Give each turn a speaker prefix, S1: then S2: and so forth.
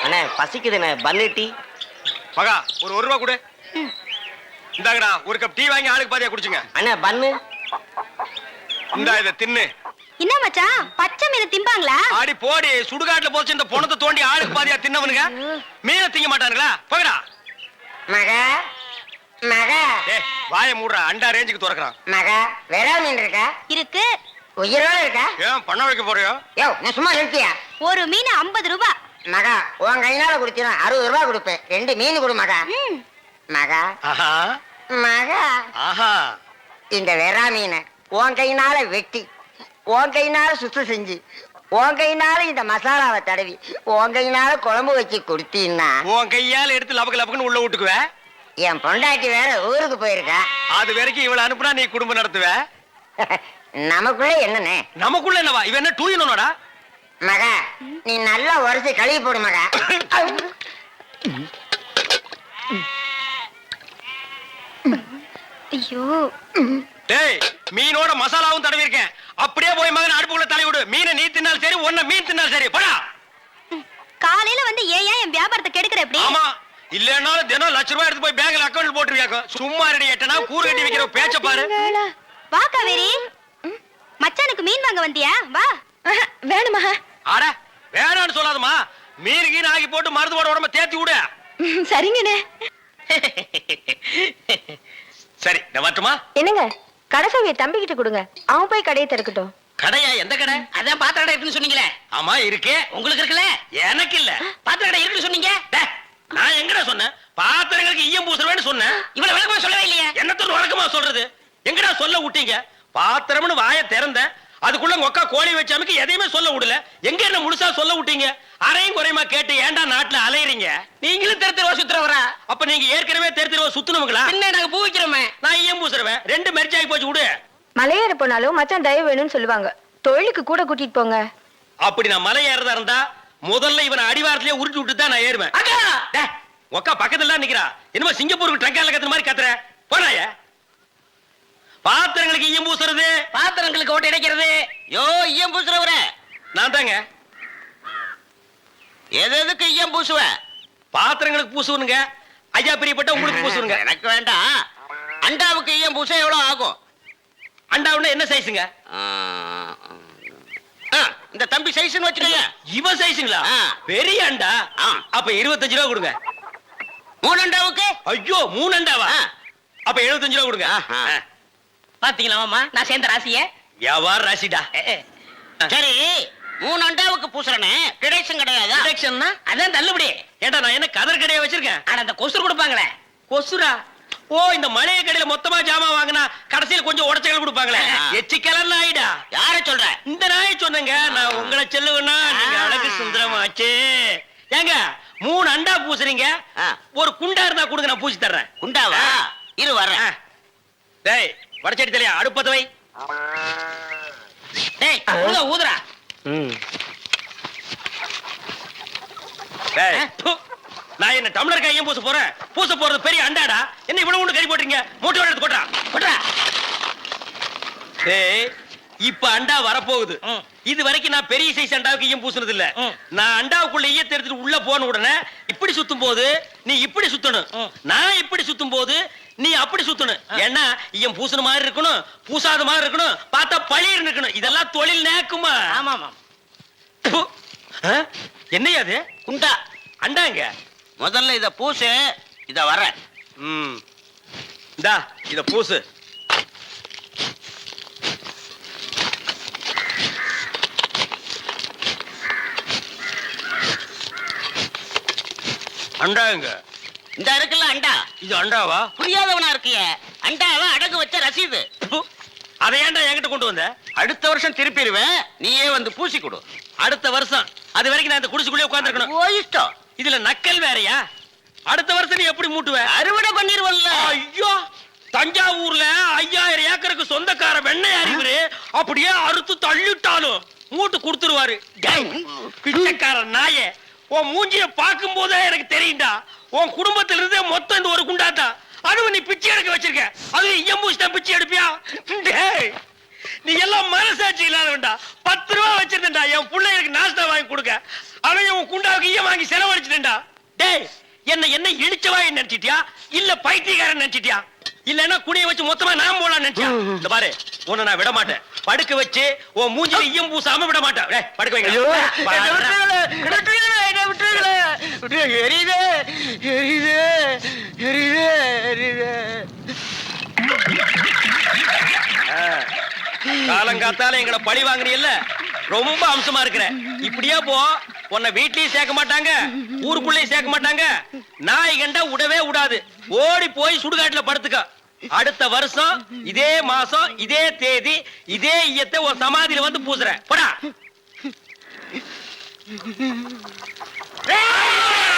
S1: அண்ணே பசிக்குதுண்ணே, பன்னு டீ.
S2: மகா ஒரு ரூபா கொடு. இந்தாங்கடா ஒரு கப் டீ வாங்கி ஆளுக்கு பாதியா குடிச்சுங்க.
S1: அண்ணே பன்னு.
S2: இந்தா இதை தின்னு.
S3: என்ன மச்சான், பச்சை மீன் திம்பாங்களா?
S2: ஆடி போடி, சுடுகாட்டுல போச்சு இந்த பொணத்தை தோண்டி ஆளுக்கு பாதியா தின்னவனுங்க மீனை திங்க மாட்டானுங்களா? போகடா
S4: மகா. மகா
S2: வாய மூடுறா, அண்டா ரேஞ்சுக்கு துறக்குறான்.
S4: மகா வெறா மீன் இருக்கா?
S3: இருக்கு.
S4: உயிரோட இருக்கா?
S2: ஏன் பண்ண வைக்க போறியோ?
S4: யோ நான் சும்மா நிறுத்தியா?
S3: ஒரு மீன் 50 ரூபாய்.
S4: மகா உன் கையினால குடுத்தீனா 60 ரூபாய் கொடுப்பேன். 2 மீன் கொடு மகா. மகா
S2: ஆஹா
S4: மகா
S2: ஆஹா.
S4: இந்த வெறா மீனை உன் கையினால வெட்டி, உன் கையினால சுத்தம் செஞ்சு, உன் கையினால இந்த மசாலாவை தடவி, உன் கையினால குழம்பு வச்சு கொடுத்தீன்னா
S2: உன் கையால எடுத்து லபக்கு லபக்குன்னு உள்ள விட்டுக்குவ.
S4: என் பொண்டாட்டி வேற ஊருக்கு போயிருக்கா.
S2: அது வரைக்கும் இவளை அனுப்புனா நீ குடும்பம் நடத்துவ.
S4: நமக்குள்ள என்னன்னு?
S2: நமக்குள்ள என்னவா? இவன் என்ன டூயினோடா?
S4: மகா நீ நல்லா உரைச்சு கழுவி போடு மகா.
S3: ஐயோ
S2: டேய் மீனோட மசாலாவும் தடவி இருக்கேன். அப்படியே போய் மகன் அடுப்புக்குள்ள தலை விடு. மீனை நீ தின்னாலும் சரி, ஒன்ன மீன் தின்னாலும் சரி. போடா.
S3: காலையில வந்து ஏன் என் வியாபாரத்தை கெடுக்கிற எப்படி?
S2: ஆமா, இல்லன்னாலும் தினம் லட்ச ரூபாய் எடுத்து போய் பேங்க்ல அக்கவுண்ட் போட்டுருவியாக்கும். சும்மா ரெடி எட்டனா கூறு கட்டி வைக்கிற பேச்ச பாரு.
S3: வா காவேரி, மச்சானுக்கு மீன் வாங்க வந்தியா? வா. வேணுமா?
S2: அட வேணான்னு சொல்லாதம்மா. மீன் கீன் ஆகி போட்டு மருந்து போட உடம்ப தேத்தி விடு.
S3: சரிங்கண்ணே.
S2: சரி நான் வரட்டுமா?
S3: என்னங்க, கடைசவிய தம்பிக்கிட்ட கொடுங்க, அவன் போய் கடையை திறக்கட்டும்.
S2: கடையா? எந்த கடை?
S5: அதான் பாத்திர கடை இருக்குன்னு சொன்னீங்களே.
S2: ஆமா இருக்கே.
S5: உங்களுக்கு இருக்குல்ல?
S2: எனக்கு இல்ல.
S5: பாத்திர கடை இருக்குன்னு சொன்னீங்க.
S2: நான் எங்கடா சொன்னேன்? பாத்திரங்களுக்கு ஈயம் பூசுறவேன்னு சொன்னேன்.
S5: இவ்வளவு விளக்கமா சொல்லவே இல்லையே.
S2: என்னத்தோட வழக்கமா சொல்றது? எங்கடா சொல்ல விட்டீங்க? பாத்திரம்னு வாயை திறந்தேன், அதுக்குள்ள உங்க அக்கா கோழி வச்சாமுக்கு எதையுமே சொல்ல விடல. எங்க என்ன முழுசா சொல்ல விட்டீங்க? அரையும் குறையுமா கேட்டு ஏன்டா நாட்டுல அலையறீங்க?
S5: நீங்களும் தெரு தெருவா சுத்துறவரா?
S2: அப்ப நீங்க ஏற்கனவே தெரு தெருவா சுத்துனவங்களா?
S5: என்ன நாங்க பூ வைக்கிறோமே.
S2: நான் ஈயம் பூசுறவன். 2 மெர்ஜ் ஆகி போச்சு விடு.
S3: மலையேற போனாலும் மச்சான் தயவு வேணும்னு சொல்லுவாங்க. தொழிலுக்கு கூட கூட்டிட்டு போங்க.
S2: அப்படி நான் மலை ஏறதா இருந்தா முதல்ல இவனை அடிவாரத்திலே உருட்டி விட்டு தான் நான் ஏறுவேன்.
S5: அக்கா
S2: உக்கா பக்கத்துல தான் நிக்கிறா. என்னமோ சிங்கப்பூருக்கு ட்ரங்கால கத்துற மாதிரி கத்துற. போறாய பாத்திரங்களுக்கு ஈயம் பூசுறது,
S5: பாத்திரங்களுக்கு ஓட்டு இடைக்கிறது.
S1: யோ ஈயம் பூசுறவர
S2: நான் தாங்க.
S1: எதுக்கு ஈயம் பூசுவ?
S2: பாத்திரங்களுக்கு பூசுவனுங்க. ஐயா பிரியப்பட்ட உங்களுக்கு பூசுவனுங்க.
S1: எனக்கு வேண்டாம். அண்டாவுக்கு ஈயம் பூச எவ்வளவு ஆகும்?
S2: அண்டாவுன்னா என்ன சைஸுங்க?
S1: இந்த தம்பி சைஸ்னு வச்சுக்கோங்க.
S2: இவ சைஸுங்களா? பெரிய அண்டா. அப்ப 25 ரூபா கொடுங்க.
S1: 3 அண்டாவுக்கு?
S2: ஐயோ 3 அண்டாவா? அப்ப 75 ரூபா கொடுங்க.
S5: பாத்தீங்களா மாமா, நான் சேர்ந்த ராசிய.
S2: வியாபார ராசிடா.
S1: சரி 3 அண்டாவுக்கு பூசுறனே டிடக்ஷன் கிடையாது?
S2: டிடக்ஷன்னா
S5: அதான் தள்ளுபடி.
S2: ஏண்டா நான் என்ன கதர் கடையா வச்சிருக்கேன்?
S5: ஆனா அந்த கொசுறு கொடுப்பாங்களே.
S2: கொசுரா? ஓ, இந்த மளிகை கடையில மொத்தமா ஜாமான் வாங்கினா கடைசியில் கொஞ்சம் உடச்சல் கொடுப்பாங்களே, எச்சி கலர்ல ஆயிடா.
S1: யார சொல்ற?
S2: இந்த நாயை சொன்னங்க. நான் உங்களை செல்லுவேன்னா நீங்க அழகு சுந்தரமாச்சு. ஏங்க 3 அண்டா பூசுறீங்க, ஒரு குண்டா இருந்தா கொடுங்க, நான் பூசி தர்றேன்.
S1: குண்டாவா? இரு வர்றேன்.
S2: டேய் வடச்சடி தலையா, அடுப்பத்த வை.
S5: டேய் ஊதுறா.
S2: டேய் நான் என்ன டம்ளர் கையும் பூச போறேன்? பூச போறது பெரிய அண்டாடா. என்ன இவ்வளவு ஒண்ணு கறி போட்டுறீங்க? மூட்டை எடுத்து கொட்டா கொட்டா. டேய் இப்ப அண்டா வரப்போகுது. இது வரைக்கும் நான் பெரிய சைஸ் அண்டாவுக்கு ஈயம் பூசுனது இல்ல. நான் அண்டாவுக்குள்ள ஈயத்தை எடுத்துட்டு உள்ள போன உடனே இப்படி சுத்தும் போது நீ இப்படி சுத்தணும், நான் இப்படி சுத்தும் போது நீ அப்படி சுத்தணும். ஏன்னா ஈயம் பூசுன மாதிரி இருக்கணும், பூசாத மாதிரி இருக்கணும், பார்த்தா பழிர் இருக்கணும். இதெல்லாம் தொழில் நேக்குமா?
S5: ஆமா ஆமா.
S2: என்னையா அது?
S1: குண்டா
S2: அண்டாங்க.
S1: முதல்ல இத பூசு, இத வர்றேன்.
S2: இந்தா இத பூசு. அண்டாங்க.
S1: இந்த இருக்குல்ல அண்டா,
S2: இது அண்டாவா?
S1: புரியாதவனா இருக்கிய. அண்டாவா அடகு வச்ச ரசீது.
S2: அதை ஏன்டா என்கிட்ட கொண்டு வந்த?
S1: அடுத்த வருஷம் திருப்பிடுவேன், நீயே வந்து பூசி கொடு.
S2: அடுத்த வருஷம்? அது வரைக்கும் நான் இந்த குடிசுக்குள்ளே உட்கார்ந்துருக்கணும்.
S1: ஓ இஷ்டம்.
S2: இதுல நக்கல் வேறயா? அடுத்த வருஷம் நீ எப்படி மூட்டுவ?
S1: அறுவடை பண்ணிருவல்ல.
S2: ஐயோ, தஞ்சாவூர்ல 5000 ஏக்கருக்கு சொந்தக்கார வெண்ணெய் அறிவுரு அப்படியே அறுத்து தள்ளிட்டாலும் மூட்டு கொடுத்துருவாரு. பிச்சைக்கார நாயே, உன் மூஞ்சிய பார்க்கும் போதே எனக்கு தெரியும்டா, உன் குடும்பத்துல இருந்தே மொத்தம் இந்த ஒரு குண்டாதான். அதுவும் நீ பிச்சை எடுக்க வச்சிருக்க, அது ஈயம் பூசி தான் பிச்சை எடுப்பியா? நீ எல்லாம் மனசாட்சி இல்லாதவன்டா. 10 ரூபா வச்சிருந்தா என் பிள்ளைகளுக்கு நாஸ்டா வாங்கி கொடுக்க, அவன் உன் குண்டாவுக்கு ஈயம் வாங்கி செலவழிச்சிட்டா. டேய், என்ன இடிச்சவாய் நினைச்சிட்டியா இல்ல பைத்தியக்காரன் நினைச்சிட்டியா இல்லன்னா குடிய வச்சு மொத்தமா நான் போலாம் நினைச்சியா? இந்த பாரு, உன்னை நான் விட மாட்டேன். படுக்க வச்சு உன் மூஞ்சில ஈயம் பூசாம விட மாட்டேன். டேய், படுக்க வைங்க. காலங்காத்தால எங்களை பழி வாங்குறீல்ல, ரொம்ப அம்சமா இருக்கிற. இப்படியே போ, உன்னை வீட்லயும் சேர்க்க மாட்டாங்க, ஊருக்குள்ளேயும் சேர்க்க மாட்டாங்க. நாய் கண்டா விடவே விடாது. ஓடி போய் சுடுகாட்டுல படுத்துக்க. அடுத்த வருஷம் இதே மாசம் இதே தேதி இதே ஈயத்தை ஒரு சமாதியில வந்து பூசுறேன். போடா.